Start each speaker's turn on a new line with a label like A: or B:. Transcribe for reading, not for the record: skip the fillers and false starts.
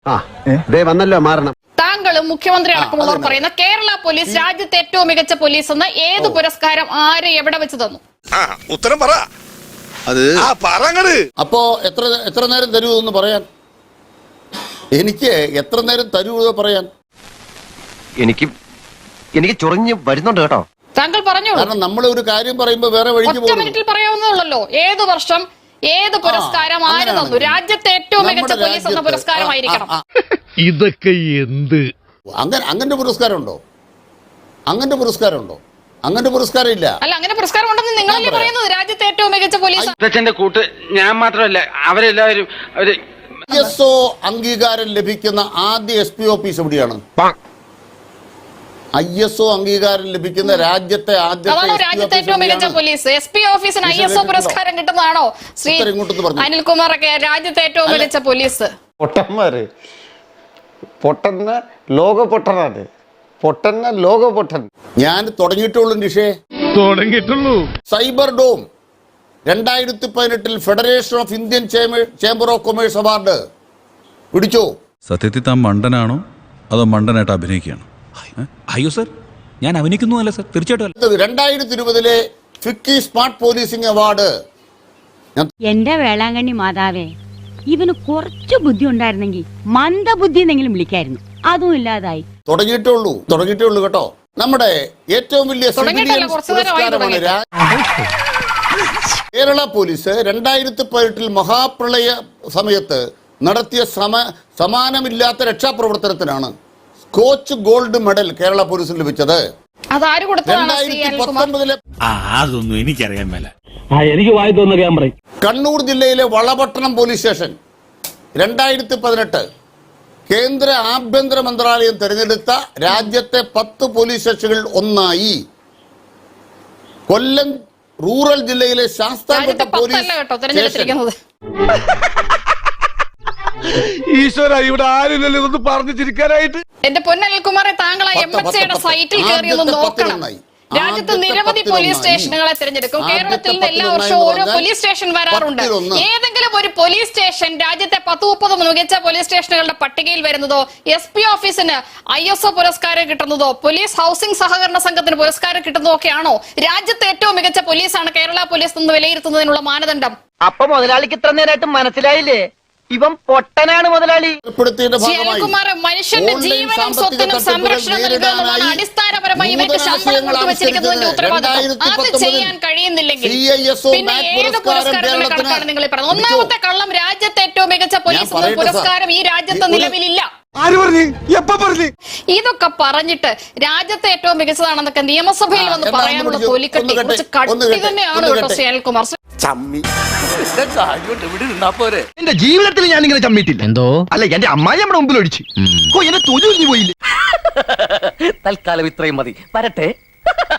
A: വന്നല്ലോ മാറണം.
B: താങ്കളും മുഖ്യമന്ത്രി അടക്കമുള്ളവർ പറയുന്ന കേരള പോലീസ് രാജ്യത്തെ ഏറ്റവും മികച്ച പോലീസ് എന്ന് ഏത് പുരസ്കാരം ആര് എവിടെ വെച്ച് തന്നു?
C: ഉത്തരം പറ.
D: അപ്പോ എത്ര നേരം തരൂ എന്ന് പറയാൻ? എനിക്ക് എത്ര നേരം തരൂ എന്ന് പറയാൻ?
A: എനിക്ക് ചൊറിഞ്ഞ് വരുന്നുണ്ട് കേട്ടോ.
B: താങ്കൾ പറഞ്ഞു.
D: കാരണം നമ്മൾ ഒരു കാര്യം പറയുമ്പോ വേറെ വഴിക്ക്
B: ഒറ്റ മിനിറ്റിൽ പറയാവുന്നല്ലോ. ഏത് വർഷം ഏത് പുരസ്കാരം ആര് തന്നു? രാജ്യത്തെ ഏറ്റവും മികച്ച പോലീസ് എന്ന പുരസ്കാരമായിരിക്കണം.
E: ഇതൊക്കെ എന്ത്?
D: അങ്ങനത്തെ പുരസ്കാരം ഉണ്ടോ? അങ്ങനത്തെ പുരസ്കാരം ഉണ്ടോ? അങ്ങനത്തെ പുരസ്കാരം ഇല്ല.
B: അല്ല, അങ്ങനെ പുരസ്കാരം ഉണ്ടെന്ന് നിങ്ങളല്ലേ പറയുന്നത്? രാജ്യത്തെ ഏറ്റവും മികച്ച പോലീസ്
A: കൂട്ട് ഞാൻ മാത്രമല്ല, അവരെല്ലാവരും
D: ISO അംഗീകാരം ലഭിക്കുന്ന ആദ്യ SP ഓഫീസ് എവിടെയാണ്? ISO അംഗീകാരം ലഭിക്കുന്ന രാജ്യത്തെ
B: രാജ്യത്തെ ഏറ്റവും മികച്ച പോലീസ്. SP ഓഫീസിന് ISO പുരസ്കാരം കിട്ടുന്നതാണോ ശ്രീ അനിൽകുമാർ ഒക്കെ? രാജ്യത്തെ ഏറ്റവും മികച്ച പോലീസ്
F: പൊട്ടന്മാര് പൊട്ടന്ന ലോക പൊട്ടനാണ്. പൊട്ടന്ന ലോക പൊട്ടൻ.
D: ഞാൻ തുടങ്ങിയിട്ടുള്ളൂ. Cyber dome 2018 federation of Indian chamber of commerce award പിടിച്ചോ?
G: സത്യത്തിൽ താൻ മണ്ടനാണോ അതോ മണ്ടനായിട്ട് അഭിനയിക്കുകയാണോ?
H: അയ്യോ സർ, ഞാൻ അഭിനയിക്കുന്നതല്ല സർ, തീർച്ചയായിട്ടും.
D: 2020 ഫിക്കി സ്മാർട്ട് പോലീസിംഗ് അവാർഡ്.
I: എന്റെ വേളാങ്കണ്ണി മാതാവേ, ഇവന് കുറച്ചു ബുദ്ധി ഉണ്ടായിരുന്നെങ്കിൽ മന്ദബുദ്ധി എന്നെങ്കിലും വിളിക്കായിരുന്നു. അതും ഇല്ലാതായി.
D: തുടങ്ങിയിട്ടുള്ളൂ കേട്ടോ. നമ്മുടെ ഏറ്റവും വലിയ പുരസ്കാരമാണ് കേരള പോലീസ് 2018 മഹാപ്രളയ സമയത്ത് നടത്തിയ സമാനമില്ലാത്ത രക്ഷാപ്രവർത്തനത്തിനാണ് സ്കോച്ച് ഗോൾഡ് മെഡൽ കേരള പോലീസിന് ലഭിച്ചത്. 2019
H: അതൊന്നും എനിക്കറിയാൻ മേല.
E: എനിക്ക് വായി തോന്നുക ഞാൻ പറയും.
D: കണ്ണൂർ ജില്ലയിലെ വളപട്ടണം പോലീസ് സ്റ്റേഷൻ 2018 കേന്ദ്ര ആഭ്യന്തര മന്ത്രാലയം തിരഞ്ഞെടുത്ത രാജ്യത്തെ 10 പോലീസ് സ്റ്റേഷനുകളിൽ ഒന്നായി. കൊല്ലം റൂറൽ ജില്ലയിലെ ശാസ്താംകോട്ട പോലീസ് സ്റ്റേഷൻ.
E: ഈശ്വര, ഇവിടെ ആരില്ലല്ലോ ഇതൊന്ന് പറഞ്ഞു ചിരിക്കാനായിട്ട്.
B: എന്റെ പൊന്നനിൽകുമാറെ, താങ്കൾ MHAയുടെ സൈറ്റിൽ കയറി ഒന്ന് നോക്കണം. രാജ്യത്ത് നിരവധി പോലീസ് സ്റ്റേഷനുകളെ തിരഞ്ഞെടുക്കും. കേരളത്തിൽ നിന്ന് എല്ലാ വർഷവും ഓരോ പോലീസ് സ്റ്റേഷൻ വരാറുണ്ട്. ഏതെങ്കിലും ഒരു പോലീസ് സ്റ്റേഷൻ രാജ്യത്തെ 10-30 മികച്ച പോലീസ് സ്റ്റേഷനുകളുടെ പട്ടികയിൽ വരുന്നതോ, SP ഓഫീസിന് ISO പുരസ്കാരം കിട്ടുന്നതോ, പോലീസ് ഹൗസിംഗ് സഹകരണ സംഘത്തിന് പുരസ്കാരം കിട്ടുന്നതോ ഒക്കെയാണോ രാജ്യത്തെ ഏറ്റവും മികച്ച പോലീസാണ് കേരള പോലീസ് എന്ന് വിലയിരുത്തുന്നതിനുള്ള മാനദണ്ഡം?
A: അപ്പൊ മുതലാളിക്ക് ഇത്ര നേരമായിട്ട് മനസ്സിലായില്ലേ? ഇവൻ പൊട്ടനാണ് മുതലാളി.
B: മനുഷ്യന്റെ ജീവനും സ്വത്തിനും സംരക്ഷണം നൽകുക എന്നുള്ളതാണ് അടിസ്ഥാനപരമായി ഇവർക്ക് ശമ്പളം കൊടുത്തുവച്ചിരിക്കുന്നതിന്റെ ഉത്തരവാദിത്വം. അത് ചെയ്യാൻ കഴിയുന്നില്ലെങ്കിൽ പിന്നെ ഏത് പുരസ്കാരങ്ങളുടെ കണക്കാണ് നിങ്ങൾ പറയുന്നത്? ഒന്നാമത്തെ കള്ളം, രാജ്യത്തെ ഏറ്റവും മികച്ച പോലീസ് എന്ന പുരസ്കാരം ഈ രാജ്യത്ത് നിലവിലില്ല. ഇതൊക്കെ പറഞ്ഞിട്ട് രാജ്യത്തെ ഏറ്റവും മികച്ചതാണെന്നൊക്കെ നിയമസഭയിൽ വന്ന് പറയാനുള്ള തൊലിക്കട്ടി കുറച്ച് കട്ടി തന്നെയാണ് കേട്ടോ ശ്രീ അനിൽകുമാർ.
A: എന്റെ ജീവിതത്തിൽ ഞാൻ ഇങ്ങനെ ചമ്മിട്ടില്ല. എന്തോ അല്ല, എന്റെ അമ്മായി നമ്മുടെ മുമ്പിൽ ഒഴിച്ചു എന്നെ തൊഴിൽ പോയില്ലേ. തൽക്കാലം ഇത്രയും മതി. വരട്ടെ.